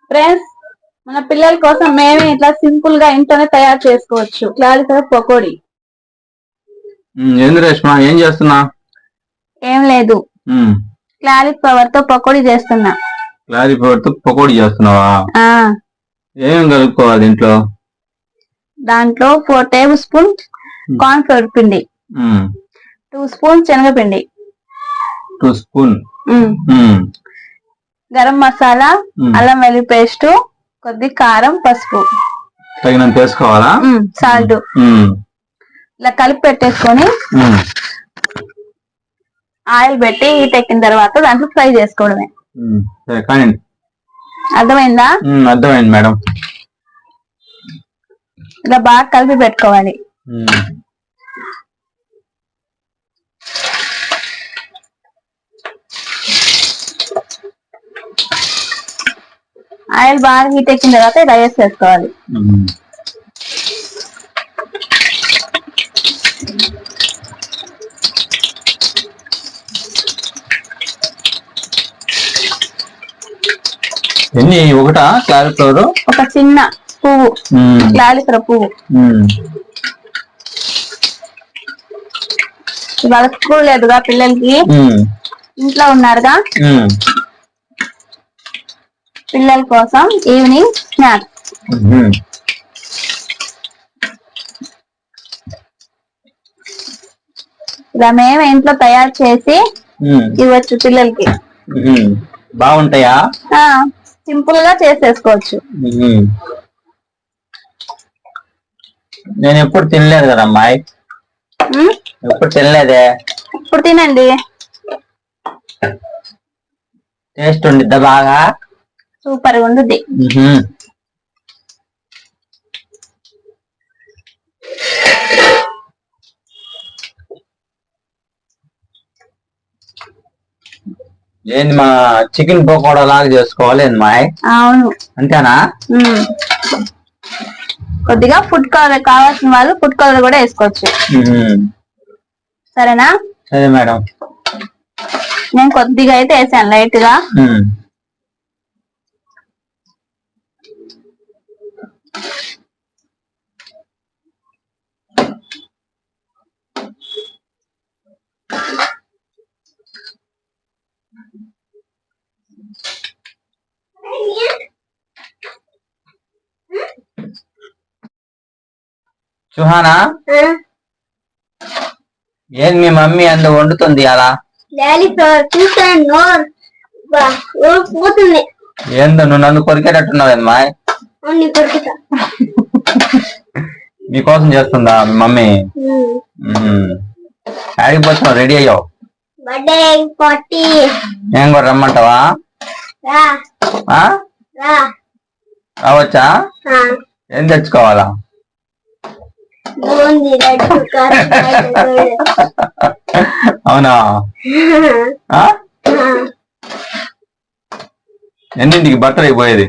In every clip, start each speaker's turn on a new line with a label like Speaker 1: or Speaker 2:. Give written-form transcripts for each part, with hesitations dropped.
Speaker 1: Friends, మన పిల్లల కోసం మేమే ఇట్లా సింపుల్ గా ఇంట్లోనే తయారు చేసుకోవచ్చు క్లారిఫ్లవర్ పకోడీ.
Speaker 2: ఏంది రేష్మా, ఏం చేస్తున్నా?
Speaker 1: ఏం లేదు, క్లారిఫ్లవర్ తో పకోడీ చేస్తున్నా.
Speaker 2: క్లారిఫ్లవర్ తో పకోడీ చేస్తున్నావా? ఏం కలుపుకోవాలి ఇంట్లో?
Speaker 1: దాంట్లో 4 టేబుల్ స్పూన్ కార్న్ ఫ్లోర్ పిండి, 2 స్పూన్ శనగపిండి,
Speaker 2: 2 స్పూన్
Speaker 1: గరం మసాలా, అల్లం వెల్లుల్లి పేస్ట్, కొద్ది కారం, పసుపు
Speaker 2: తగినంత వేసుకోవాలా?
Speaker 1: సాల్ట్. ఇలా కలిపి పెట్టేసుకొని ఆయిల్ పెట్టి హీట్ ఎక్కిన తర్వాత దాంట్లో ఫ్రై చేసుకోవడమే. అర్థమైందా?
Speaker 2: అర్థమైంది మేడం.
Speaker 1: ఇలా బాగా కలిపి పెట్టుకోవాలి. ఆయిల్ బాగా హీట్ ఎక్కిన తర్వాత ఇలా వేసేసుకోవాలి.
Speaker 2: ఎన్ని? ఒకటా క్లారిఫ్లవర్?
Speaker 1: ఒక చిన్న పువ్వు, క్లారిఫ్లవర్ పువ్వు. ఇవాళ స్కూల్ లేదుగా పిల్లలకి, ఇంట్లో ఉన్నారుగా, పిల్లల కోసం ఈవినింగ్ స్నాక్స్. ఇలా మేము ఇంట్లో తయారు చేసి ఇవ్వచ్చు పిల్లలకి.
Speaker 2: బాగుంటాయా?
Speaker 1: సింపుల్ గా చేసేసుకోవచ్చు.
Speaker 2: నేను ఎప్పుడు తినలేదు కదా అమ్మాయి, ఎప్పుడు తినలేదే.
Speaker 1: ఇప్పుడు తినండి,
Speaker 2: టేస్ట్ ఉండిద్దా? బాగా
Speaker 1: సూపర్ గా ఉంటుంది.
Speaker 2: ఏంది మా చికెన్ పకోడా లాగా చేసుకోవాలి మాయ్?
Speaker 1: అవును,
Speaker 2: అంతేనా?
Speaker 1: కొద్దిగా ఫుడ్ కలర్ కావాల్సిన వాళ్ళు ఫుడ్ కలర్ కూడా వేసుకోవచ్చు. సరేనా?
Speaker 2: సరే మేడం.
Speaker 1: నేను కొద్దిగా అయితే వేసాను, లైట్ గా.
Speaker 2: సుహానా, ఏం మీ మమ్మీ అంత వండుతుంది అలా? ఏందో నువ్వు నన్ను కొరికేటట్టున్నావమ్మా. నీకోసం చేస్తుందా మీ మమ్మీ? ఆడిపోతున్నావు, రెడీ అయ్యావు? ఏం కూడా రమ్మంటావా? రావచ్చా? ఏం తెచ్చుకోవాలా? అవునా? ఎన్నింటికి బట్టలు అయిపోయేది?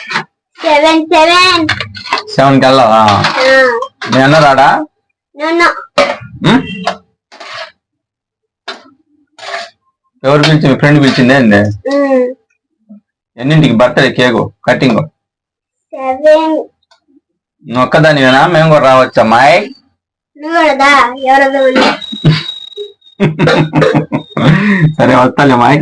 Speaker 2: 7 కి వెళ్ళావా? మీ అన్న రాడా? ఎవరు పిలిచి? మీ ఫ్రెండ్ పిలిచిందే ఏంది? ఎన్నింటికి బట్టలు, కేకు కటింగ్? నువ్వు ఒక్కదానివేనా? మేము కూడా రావచ్చా అమ్మాయి? సరే వస్తాలే అమ్మాయి.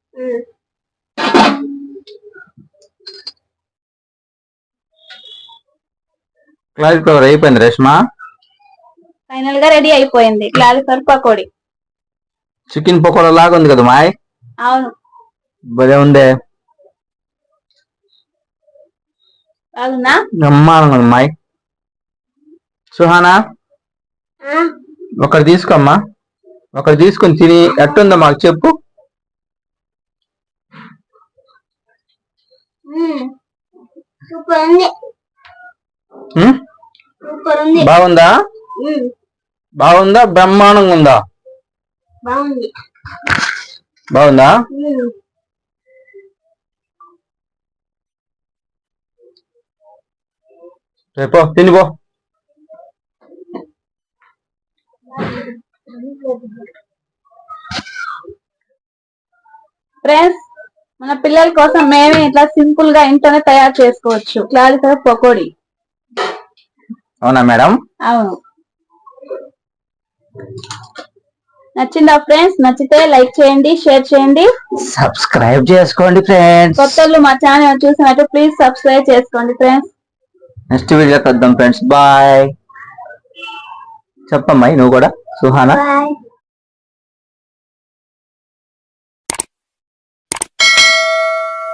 Speaker 2: క్లారిఫ్లవర్ అయిపోయింది రేష్మా?
Speaker 1: ఫైనల్ గా రెడీ అయిపోయింది క్లారిఫ్లవర్ పకోడీ.
Speaker 2: చికెన్ పకోడా లాగా ఉంది కదా మాయ్?
Speaker 1: అవును,
Speaker 2: భలే ఉందే. బ్రహ్మాండంగా ఉంది మాయ్. సుహానా, ఒకటి తీసుకోమ్మా, ఒకటి తీసుకొని తిని ఎట్టుందో మాకు చెప్పు. బాగుందా? బాగుందా? బ్రహ్మాండంగా ఉందా? బాగుందా? రేపో తినిపో.
Speaker 1: ఫ్రెండ్స్, మన పిల్లల కోసం మేమే ఇట్లా సింపుల్ గా ఇంట్లోనే తయారు చేసుకోవచ్చు క్లారిఫ్లవర్ పకోడీ.
Speaker 3: అవునా మేడం?
Speaker 1: అవును. నచ్చిందా ఫ్రెండ్స్? నచ్చితే లైక్ చేయండి, షేర్ చేయండి,
Speaker 3: సబ్స్క్రైబ్ చేసుకోండి ఫ్రెండ్స్.
Speaker 1: కొత్తలు మా ఛానల్ చూసినట్టు ప్లీజ్ సబ్స్క్రైబ్ చేసుకోండి ఫ్రెండ్స్.
Speaker 3: నెక్స్ట్ వీడియోకి వద్దాం ఫ్రెండ్స్. బాయ్. చెప్పమ్మాయి నువ్వు కూడా సుహానా.
Speaker 1: బాయ్.